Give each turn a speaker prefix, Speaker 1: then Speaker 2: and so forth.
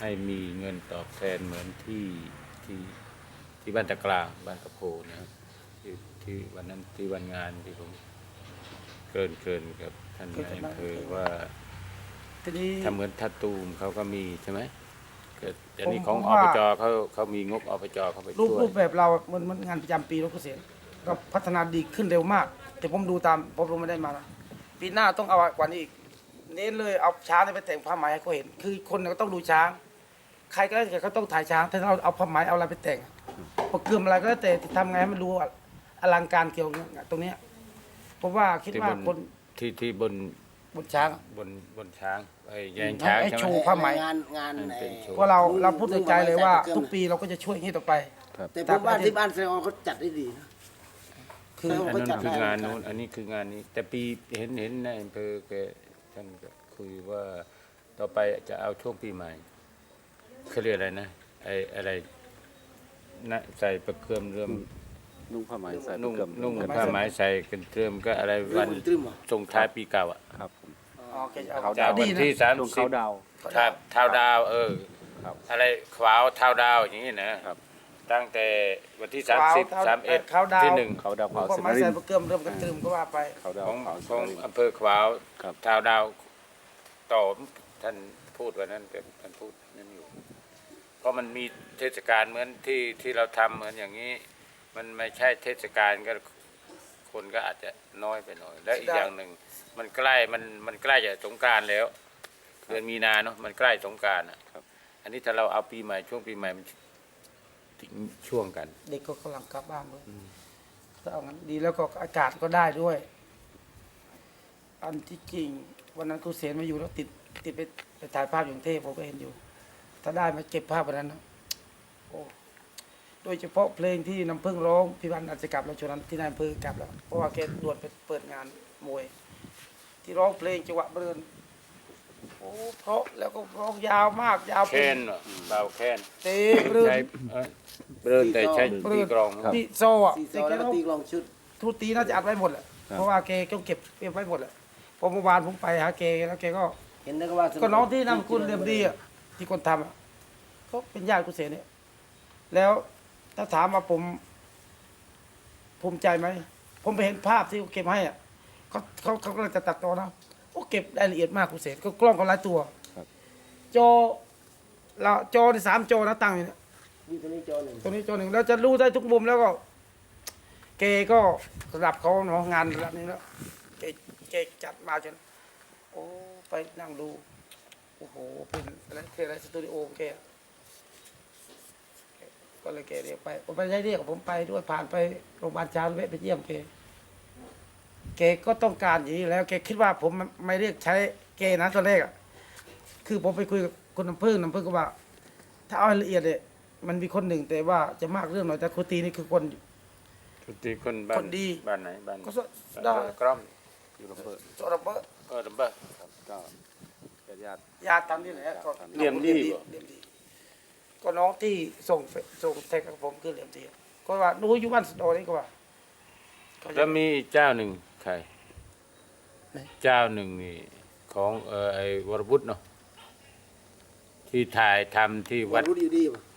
Speaker 1: ให้มีเงินตอบแทนเหมือนที่ที่บ้านตะกร้าบ้านตะโพนะครับที่วันนั้นที่วันงานที่ผมเกินกับท่านนายอำเภอว่า
Speaker 2: ทีนี้
Speaker 1: ทำเหมือนทัดตูมเขาก็มีใช่ไหมก็อันนี้
Speaker 2: ผม
Speaker 1: ของ
Speaker 2: ผม
Speaker 1: อ
Speaker 2: ว่า
Speaker 1: ปจเขามีงบอปจเข้าไปช่วย
Speaker 2: รูปแบบเรามันงานประจำปีรถเกษตรก็พัฒนาดีขึ้นเร็วมาก แต่ผมดูตามผมไม่ได้มานะปีหน้าต้องเอากว่านี้อีกเน้นเลยเอาช้างไปแต่งผ้าไหมให้เขาเห็น คือคนก็ต้องดูช้าง ใครก็ได้เขาต้องถ่ายช้างถ้าเราเอาผ้าไหมเอาอะไรไปแต่งประเกือมอะไรก็แล้วแต่ทำไงให้มันดูอลังการเกี่ยวกับตรงเนี้ยผมว่าคิด
Speaker 1: ที่
Speaker 2: ว่า
Speaker 1: บน
Speaker 2: คน
Speaker 1: ที่บน
Speaker 2: บนช้าง
Speaker 1: บนช้างไอ้แยงช้าง
Speaker 2: ให้
Speaker 1: ใช่ไห
Speaker 2: โช
Speaker 1: ม
Speaker 2: ว์ ผ้าไหม
Speaker 3: งาน
Speaker 1: เป็นโชว์
Speaker 2: เพราะเราพูดในใจเลยว่าทุกปีเราก็จะช่วยอย่างนี้ต่อไป
Speaker 3: แต่ผมว่าที่บ้านแสดงว่าเขาจัดได้ดีนะ
Speaker 2: คือ
Speaker 1: อันนั้น
Speaker 3: จัด
Speaker 1: คืองาน
Speaker 3: ได้
Speaker 1: นู้นอันนี้คืองานนี้ แต่ปีเห็นในอำเภอแกท่านก็คุยว่าต่อไปจะเอาช่วงปีใหม่เขาเรียกอะไรนะไอ้อะไรนะใส่ประเกือมเรื่อม
Speaker 4: นุ่งผ้าไหมใส่
Speaker 1: นุ่ง
Speaker 4: เกือบ
Speaker 1: นุ่งผ้าไหมใส่กันเรื่อมก็อะไรวัน
Speaker 3: ตรึมเหรอ
Speaker 1: ส่งท้ายปีเก่าอ่ะ
Speaker 4: ครับผม
Speaker 2: โอเคเอา
Speaker 4: เขา
Speaker 1: จาก
Speaker 2: ดี
Speaker 1: วัน
Speaker 2: นะ
Speaker 1: ที่
Speaker 4: นุ่งเขาดาว
Speaker 1: ครับเท้าดาว
Speaker 4: ครับ
Speaker 1: อะไรขวาวเท้าดาวอย่างนี้นะครับ ตั้งแต่วันที่
Speaker 2: ขวาว
Speaker 1: 30 31
Speaker 2: ขาวดาว
Speaker 1: ที่หนึ่ง
Speaker 4: เขาดาว
Speaker 2: ผ
Speaker 4: เผาม เซ
Speaker 2: ก็
Speaker 4: น
Speaker 2: ไม่
Speaker 4: ริ
Speaker 2: ใส่
Speaker 4: น
Speaker 2: ประเกือมเริ่มกันตรึมก็ว่าไป
Speaker 4: เขาดาว
Speaker 1: ของ
Speaker 4: เผา
Speaker 1: ข
Speaker 4: เซ
Speaker 1: อง
Speaker 4: นริน
Speaker 1: อำเภอขวาว
Speaker 4: ครับ
Speaker 1: เท้าดาวต่อท่านพูดวันนั้นเป็นท่านพูดนั่นอยู่ เพราะมันมีเทศกาลเหมือนที่เราทำเหมือนอย่างนี้ มันไม่ใช่เทศกาลก็คนก็อาจจะน้อยไปหน่อย และอีกอย่างหนึ่งมันใกล้มันใกล้จะสงกรานต์แล้วเดือนมีนาเนาะมันใกล้สงกรานต์อ่ะ
Speaker 4: ครับ
Speaker 1: อันนี้ถ้าเราเอาปีใหม่ช่วงปีใหม่มันทิ้งช่วงกัน
Speaker 2: เด็กก็กำลังกลับบ้านด้วยถ้าเอางั้นดีแล้วก็อากาศก็ได้ด้วย อันที่จริงวันนั้นครูเสนมาอยู่แล้วติดไปถ่ายภาพอยู่กรุงเทพผมก็เห็นอยู่ ถ้าได้มาเก็บภาพวันนั้นนะโอ้โดยเฉพาะเพลงที่น้ำพึ่งร้องพี่วันอาจจะกลับแล้วช่วงนั้นที่นายอำเภอกลับแล้วเพราะว่าแกด่วนไปเปิดงานมวย ที่ร้องเพลงจังหวะเบิร์นโอ้เพราะแล้วก็ร้องยาวมากยาว
Speaker 1: แค้นเหรอเบาแค้น
Speaker 2: เตะเบิร์น
Speaker 1: ใช้เริ่มแต่ใช้ตีกรอง
Speaker 2: พี่โซอ่ะ
Speaker 3: ซีซ
Speaker 2: แต่
Speaker 3: อ
Speaker 2: แก
Speaker 3: แล้วก็
Speaker 2: ร้อง
Speaker 3: ตีกลองชุด
Speaker 2: ทุกตีน่าจะอัดไว้หมดแหละเพราะว่าแกต้องเก็บไว้หมดแหละพอเมื่อวานผมไปหาแกแล้วแกก็
Speaker 3: เห็นได้ก็ว่า
Speaker 2: ก็น้องที่นามสกุลเรียมดีอ่ะที่คนทำอ่ะเขาเป็นญาติกุเสนเนี่ยแล้วถ้าถามว่าผมภูมิใจไหมผมไปเห็นภาพที่เขาเก็บให้อ่ะเขากำลังจะตัดต่อนะโอ้เก็บรายละเอียดมากกุเสนก็กล้องเขาหลายตัวจอเราจอใน3 จอนะตั้งอยู่เนี่ย
Speaker 3: มีตัวนี้จอหนึ่ง
Speaker 2: ตัวนี้จอหนึ่งแล้วจะรู้ได้ทุกมุมแล้วก็เกก็ระดับเขาเนาะงานระดับนี้แล้วเกจัดมาจนโอ้ไปนั่งดูโอ้โหเป็นอะไรสตูดิโอของแกก็เลยแกเรียกไปผมไปได้เรียกผมไปด้วยผ่านไปโรงพยาบาลช้างแวะไปเยี่ยมแกก็ต้องการอย่างนี้แล้วแกคิดว่าผมไม่เรียกใช้แกนะตอนแรกอ่ะคือผมไปคุยกับคนน้ำพึ่งก็ว่า ถ้าเอาละเอียดเนี่ยมันมีคนหนึ่งแต่ว่าจะมากเรื่องหน่อยแต่ครูตีนี่คือคน
Speaker 1: ทุกทีคนบ้า
Speaker 2: คน นดี
Speaker 1: บ้านไหนบ้าน
Speaker 2: ก็
Speaker 1: บ้านกล้อม
Speaker 4: อยู่ลำเบิด
Speaker 2: สระเบอ
Speaker 1: ลำเบอร์
Speaker 4: ครับก็ญาติ
Speaker 2: ยาตามนี่แหละก็
Speaker 1: เหลี่ยมดีบ่
Speaker 2: เหลี่ยมดีก็น้องที่ส่งแท็กกับผมคือเหลี่ยมดีก็ว่าหนูอยู่บ้านสะดอนี่ก็ว่าก็
Speaker 1: แล้วมีอีกเจ้าหนึ่งใคร
Speaker 2: ไหน
Speaker 1: เจ้าหนึ่งนี่ของไอ้วรวุฒิเนาะที่ถ่ายทำที่
Speaker 3: วั
Speaker 1: วั
Speaker 3: ด
Speaker 1: ด
Speaker 3: รู้ดีป่ะ